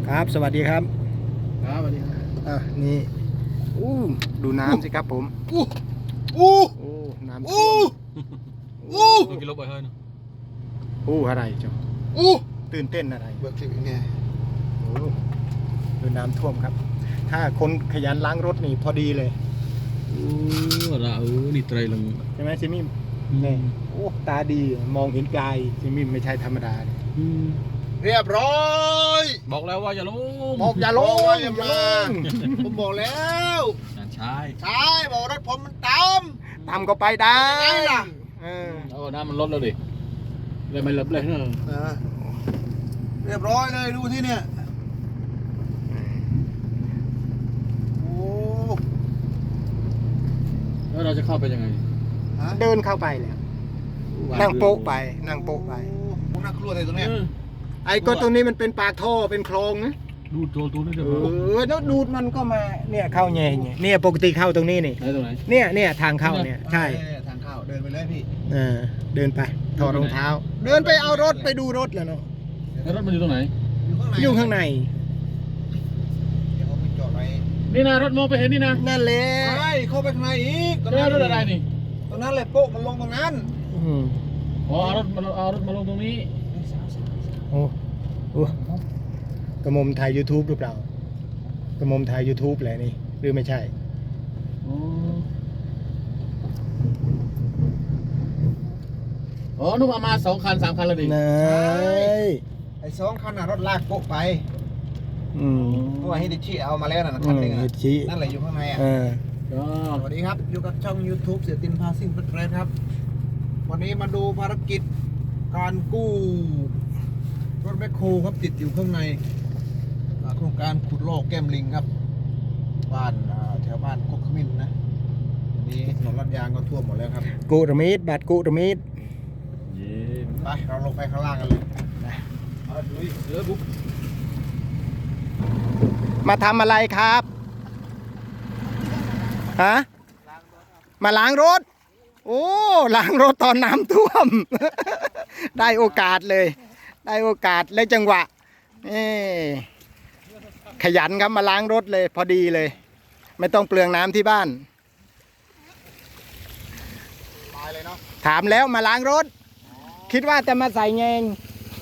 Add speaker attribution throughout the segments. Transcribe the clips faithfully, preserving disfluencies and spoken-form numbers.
Speaker 1: ครับสวัสดีครับ
Speaker 2: ครับสวัสดีครับ
Speaker 1: อ่ะนี่อู้ดูน้ำสิครับผม
Speaker 2: อู้อู้
Speaker 1: โอ้น้ำท่
Speaker 2: อู้
Speaker 1: วม
Speaker 2: อู้
Speaker 3: ตัวกิโลไปเฮ้ยเนาะ
Speaker 1: อู้อะไรจ้ะ
Speaker 2: อู้
Speaker 1: ตื่นเต้นอะไร
Speaker 2: เบิกคลิปอีกเนี่ย
Speaker 1: โอ้ดูน้ำท่วมครับ ถ้าคนขยันล้างรถนี่พอดีเลย
Speaker 3: โอ้ละเออนี่ไตรลัง
Speaker 1: ใช่ไหมซิมิมนี่โอ้ตาดีมองเห็นไกลซิมิมไม่ใช่ธรรมดาเลย
Speaker 2: เรียบร้อย
Speaker 3: บอกแล้วว่าอย่าลง
Speaker 1: บอกอย่าลง
Speaker 2: บอกว่าอย่า
Speaker 1: อย่า
Speaker 2: มา
Speaker 1: ลง
Speaker 2: ผมบอกแล้ว
Speaker 3: นั่นใช่
Speaker 2: ใช่บอกรถผมมันต่
Speaker 1: ตามก็ไปได้
Speaker 2: ำไงล่ะ
Speaker 1: เออ
Speaker 3: เอาน้ำมันลดแล้วดิเลยไม่ลดเลยเนอะ
Speaker 2: เออเรียบร้อยเลยดูที่เนี่ยโอ้
Speaker 3: แล้วเราจะเข้าไปยังไง
Speaker 2: ฮะ
Speaker 1: เดินเข้าไปแล้วนั่งโป๊ะไปนั่งโป๊ะไป
Speaker 2: โอ้น่ากลัวเลยตรงเนี้ย
Speaker 3: เออ
Speaker 1: ไอ้ก็ตรงนี้มันเป็นปากท่อเป็นคลองนะ
Speaker 3: ดูตัวตัวนี้จะ
Speaker 1: เอ
Speaker 3: มา
Speaker 1: อแล้วดูดมันก็มาเนี่ยเข้าแง่เนี่ยเนี่ยปกติเข้าตรงนี้นี่
Speaker 3: ไหนตรงไหน
Speaker 1: เนี่ยเนี่ยทางเข้าเนี่ยใช่
Speaker 2: เออทางเข้าเดินไปเลยพี่
Speaker 1: เออเดินไปถอดรองเท้า เดินไปเอารถไปดูรถแล้วเนาะ
Speaker 3: แล้วรถมันอยู่ตรงไหน
Speaker 2: อยู่ข้างใน
Speaker 1: อยู่ข้างใน
Speaker 2: เดี๋ยวผมไปจอดไว้
Speaker 3: นี่นะรถมองไปเห็นนี่นะ
Speaker 1: นั่นแหละ
Speaker 2: ใช่เข้าไปข้างในอีกตรง
Speaker 3: แล้ว
Speaker 2: นั้น
Speaker 3: รถอะไรนี่
Speaker 2: ตรงนั้นเลยโป๊ะมันลงตรงนั้น
Speaker 1: อืม
Speaker 3: อ๋อเอารถมาเอารถมาลงตรงนี้
Speaker 1: โอ้โอ้กระมมถ่าย YouTube หรือเปล่ากระมมถ่าย YouTube แหละนี่หรือไม่ใช่
Speaker 3: อ๋ออ๋อนุ่มเอามาสองคันสามคันแล้วดิ
Speaker 1: นาย
Speaker 2: ไอ้สองคันน่ะรถลากโป๊ะไป
Speaker 1: อืม
Speaker 2: เพราะว่าฮิดิชิเอามาแล้วน่ะ
Speaker 1: อื
Speaker 2: คัน
Speaker 1: ม
Speaker 2: หนึงอ่ะ
Speaker 1: ฮิตชิ
Speaker 2: นั่นแหละอยู่ข้างในอ่ะ
Speaker 1: เออ
Speaker 3: อ๋อ
Speaker 2: สวัสดีครับอยู่กับช่อง YouTube เสียตินพาซิ่งเฟรนด์ครับ วันนี้มาดูภารกิจการกู้รถแมคโครครับติดอยู่ข้างในอ่าโครงการขุดลอกแก้มลิงครับ บ้านอ่าแถวบ้านกกขมิ้นนะวันนี้ถนนลาดยางก็ท่วมหมดแล้วครับ
Speaker 1: กุรมิดบัตรกุรมิด
Speaker 3: เย้
Speaker 2: ไปเราลงไปข้างล่างกันเลยเอาลุยเสือบุ๊ก
Speaker 1: มาทำอะไรครับฮะมาล้างรถ โอ้ล้างรถตอนน้ำท่วม ได้โอกาสเลย ได้โอกาสและจังหวะนี่ขยันครับมาล้างรถเลย พอดีเลย ไม่ต้องเปลืองน้ำที่บ้าน
Speaker 2: ตายเลยเนาะ
Speaker 1: ถามแล้วมาล้างรถ คิดว่าจะมาใส่แงง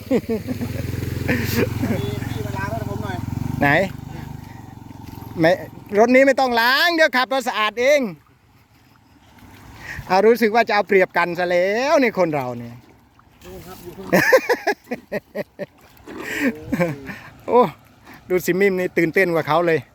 Speaker 2: พี่พี่มาล้างรถผมหน่อย
Speaker 1: ไหนไม่รถนี้ไม่ต้องล้างเดี๋ยวขับรถสะอาดเองเอารู้สึกว่าจะเอาเปรียบกันซะแล้วนี่คนเราเนี่ย
Speaker 2: ดูครับอยู่ข้าง
Speaker 1: โอ้ดูสิมิมนี่ตื่นเต้นกว่าเขาเลย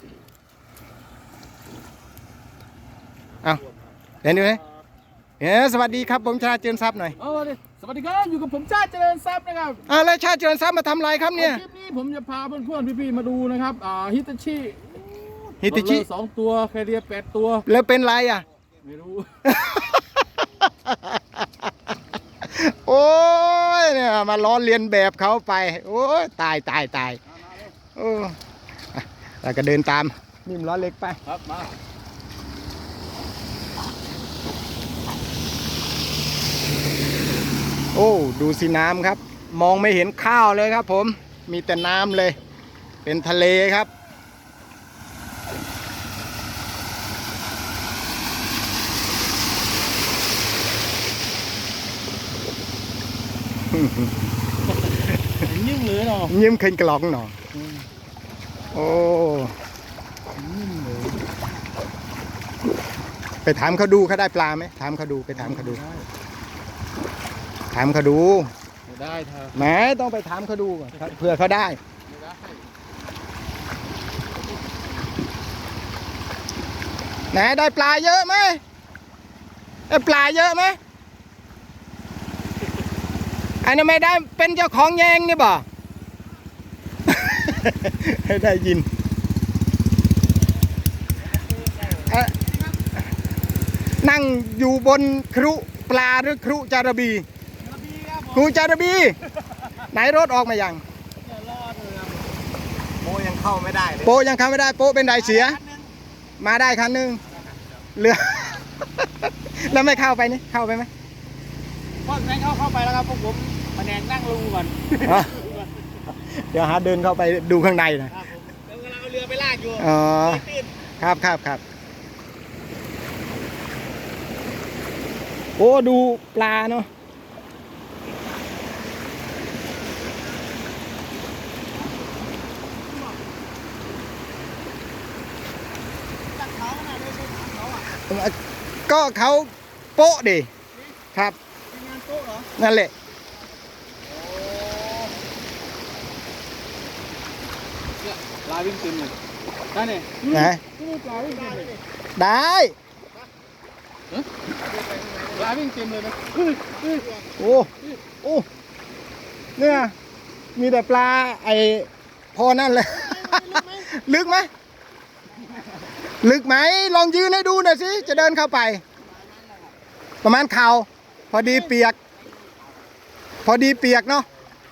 Speaker 1: เอาเห็นดูไหมเฮ้สวัสดีครับผมชาเจริญทรัพย์หน่อย
Speaker 3: เอาดิสวัสดีครับอยู่กับผมชาติเจริญทรัพย์นะครับ
Speaker 1: อ้าวแล้วชาเจริญทรัพย์มาทำอะไรครับเนี่ย
Speaker 3: คลิปนี้ผมจะพาเพื่อนๆพี่ๆมาดูนะครับอ่าฮิตาชิ
Speaker 1: ฮิติชิ
Speaker 3: สองตัวแคเรียแปดตัว
Speaker 1: แล้วเป็นไรอ่ะ
Speaker 3: ไม่รู้
Speaker 1: โอ้ยเนี่ยมาล้อเลียนแบบเขาไป โอ้ยตายตายตายโอ้อ่ะเราก็เดินตามนิ่มล้อเล็กไป
Speaker 3: ครับมา
Speaker 1: โอ้ดูสิน้ำครับ มองไม่เห็นข้าวเลยครับผมมีแต่น้ำเลย เป็นทะเลครับ
Speaker 3: ยิ่งเลยเนาะ
Speaker 1: ยิ้มขึ้นกล่องหน่อยโอ้ไปถามเขาดูเขาได้ปลาไหมถามเขาดูไปถามเขาดู ถามเขาดู
Speaker 3: ไม่ได้เธอ
Speaker 1: แหมต้องไปถามเขาดูก่อนเผื่อเขาได้
Speaker 3: ไม่ได้
Speaker 1: ไหนได้ปลาเยอะไหมได้ปลาเยอะไหมอันนี้ไม่ได้เป็นเจ้าของแยงนี่บ่ ให้ได้ยินเอ่อนั่งอยู่บนครุปลาหรือครุจาระบีครูจาระบี ไหนรถออกมายัง
Speaker 2: โมยังเข้าไม่ได้เลย
Speaker 1: โปะยังเข้าไม่ได้โปะเป็นไดเสีย มาได้คันหนึงเรือ แล้วไม่เข้าไปนี่เข้าไปไหม
Speaker 3: พวกนั้นเข้าเข้าไปแล้วครับพวกผมมาแนงนั่งรูก่อน
Speaker 1: อ๋อเดี๋ยวหาเดินเข้าไปดูข้างในนะครับ
Speaker 2: ผมเดี๋ยวกำลังเอาเรือไปลากอยู่
Speaker 1: อ๋อ
Speaker 2: ตื้น
Speaker 1: ครับครับครับโอ้ดูปลาเนาะก็เขาโป๊ะดิครับ
Speaker 2: ทีมงานโต๊ะเหรอ
Speaker 1: นั่นแหละ
Speaker 3: เนี่ยปลาวิ่งเต็มเลยได้เนี่ย
Speaker 1: นะ
Speaker 3: นี่ปลาวิ่งเต็มเลย
Speaker 1: ได้
Speaker 3: ปลาวิ่งเต็มเลยนะเฮ้ยเฮ้ย
Speaker 1: โอ้โอ้เนี่ยมีแต่ปลาไอพอนั่นเลย ลึกไหมลึกไหมลองยืนให้ดูหน่อยสิจะเดินเข้าไป ประมาณเข่าพอดีเปียก พอดีเปียกเนาะ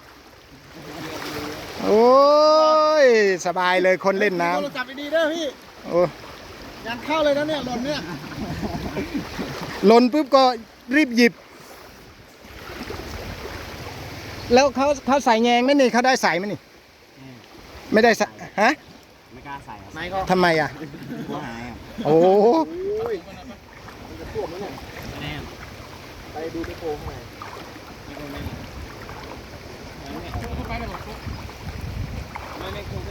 Speaker 1: โอ้ยสบายเลยคนเล่นน้
Speaker 2: โทรศัพท์ดีๆเด้อพี่
Speaker 1: ำโอ้
Speaker 2: งานเข้าเลยนะเนี่ยหล่นเนี่ย
Speaker 1: หล่นปุ๊บก็รีบหยิบ แล้วเขาเขาใส่แยงไหมนี่เขาได้ใส่ไหมนี่ ไม่ได้ใส่ฮะ
Speaker 4: ไม่กล้าใส่ครับ
Speaker 2: ไม่ก็
Speaker 1: ทำไมอ่ะ
Speaker 4: กลัวหายครับ
Speaker 1: โอ้
Speaker 2: โอ้ยมันจะท่วมแล้วเนี่ย
Speaker 4: แน่
Speaker 2: ไปดูไปโกงข้างใน
Speaker 4: ไม่คงไม่
Speaker 3: เข้าไปเลยบอก
Speaker 4: ไม่ไม่คงไม่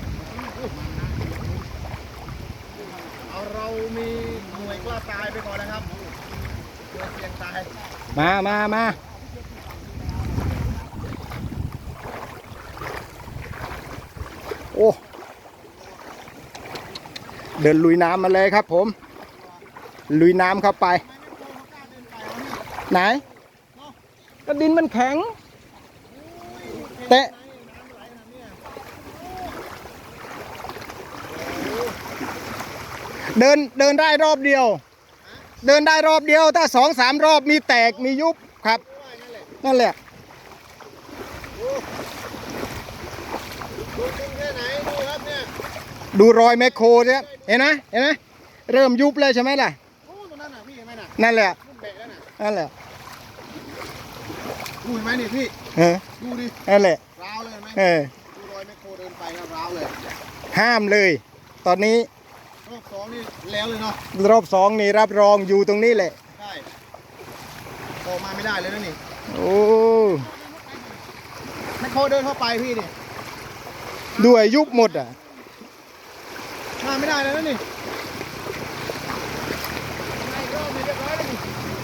Speaker 2: เอาเรามีหน่วยกล้าตายไปก่อนนะครับเพื่อเสี่ยงตาย
Speaker 1: มามามาโอ้เดินลุยน้ำมาเลยครับผม ลุยน้ำเข้าไป ไหน ก็ดินมันแข็ง เตะเดินเดินได้รอบเดียว เดินได้รอบเดียว ถ้าสองสามรอบมีแตกมียุบครับ นั่นแหละ
Speaker 2: ดูจริงแค่ไหนดูครับเนี่ย
Speaker 1: ดูรอยแมคโครเนี่ยเห็นไหมเห็นไหมเริ่มยุบเลยใช่ไหมล่ะ
Speaker 2: โอ้ตรงนั้นน่ะพี่เห็นไหมน่ะ
Speaker 1: นั่นแหละ
Speaker 2: รุ่นเบะแล้วน่ะ
Speaker 1: นั่นแหละ
Speaker 2: ดูเห็นไหมนี่พี่
Speaker 1: เออ
Speaker 2: ดูดิ
Speaker 1: นั่นแหละ
Speaker 2: ร้าวเลยเห็นไหม
Speaker 1: เออ
Speaker 2: ดูรอยแมคโครเดินไปครับร้าวเลย
Speaker 1: ห้ามเลย ตอนนี้
Speaker 2: รอบสองนี่แล้วเลยเนาะ
Speaker 1: รอบสองนี่รับรองอยู่ตรงนี้แหละ
Speaker 2: ใช่โตมาไม่ได้เลยนะนี่
Speaker 1: โอ้
Speaker 2: แมคโครเดินเข้าไปพี่นี่
Speaker 1: ด้วยยุบหมดอ่ะ
Speaker 2: มาไม่ได้เลยนะนี่ไม่รอบนี้เรียบร้อยแล้วนี่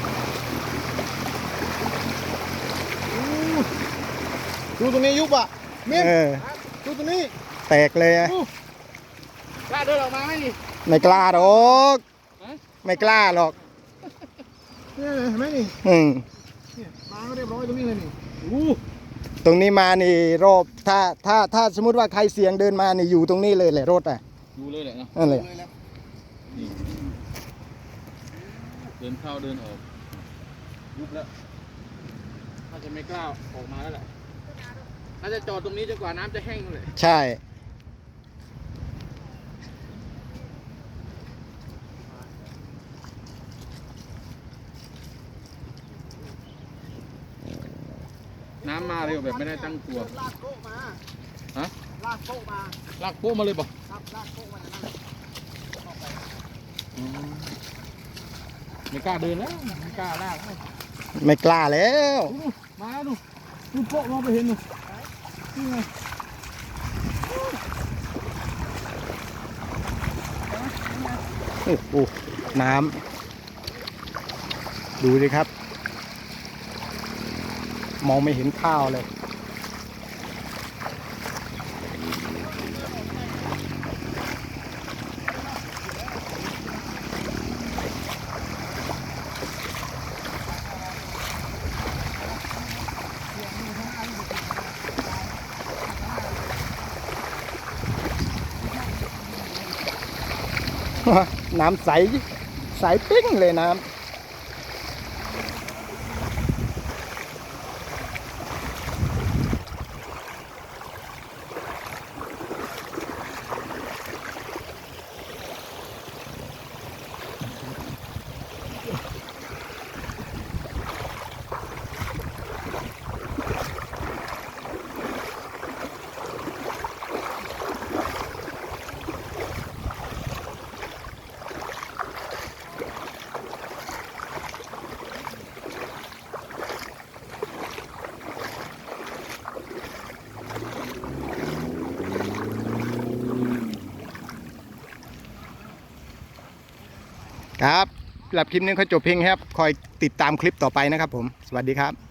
Speaker 2: อู้ดูตรงนี้ยุบอ่ะมิ้น
Speaker 1: เออ
Speaker 2: ดูตรงนี้
Speaker 1: แตกเลยอะ
Speaker 2: อู้
Speaker 3: กล้าเดินออกมาไหมนี่
Speaker 1: ไม่กล้าหรอกไม่กล้าหรอก
Speaker 2: เนี่ยเห็นไหมนี่
Speaker 1: อืม
Speaker 2: เนี่ยมาก็เรียบร้อยตรงนี้เลยนี่อู้
Speaker 1: ตรงนี้มานี่รอบถ้าถ้าถ้าสมมติว่าใครเสียงเดินมานี่อยู่ตรงนี้เลยแหละรถอ่ะ
Speaker 3: ดูเลยแหละเนาะ
Speaker 1: นั่นแหละ
Speaker 2: เลยแล้ว
Speaker 3: เดินเข้าเดินออกยุบแล้วน่าจะไม่กล้าออกมาแล้วแหละน่าจะจอดตรงนี้จนกว่าน้ำจะแห้งเลย
Speaker 1: ใช่
Speaker 3: น้ำมาเร็วแบบไม่ได้ตั้งตัว
Speaker 2: ลากโต๊ะมา
Speaker 3: ฮะ
Speaker 2: ลากโต๊ะมา
Speaker 3: ลากโป๊ะมาเลยบอก
Speaker 2: ครับลากโต๊ะมาอย่างนั้นเลยเข้าไป
Speaker 3: ไม่กล้าเดินแล้วไม่กล้าลากแล้ว
Speaker 1: ไม่กล้าแล้ว
Speaker 3: ดูมาดูดูโป๊ะมองไปเห็นดูนี่ไง
Speaker 1: โอ้โหน้ำดูสิครับ มองไม่เห็นข้าวเลย น้ำใส ใสปิ้งเลยน้ำครับสำหรับคลิปนี้เขาจบเพียงครับ คอยติดตามคลิปต่อไปนะครับผม สวัสดีครับ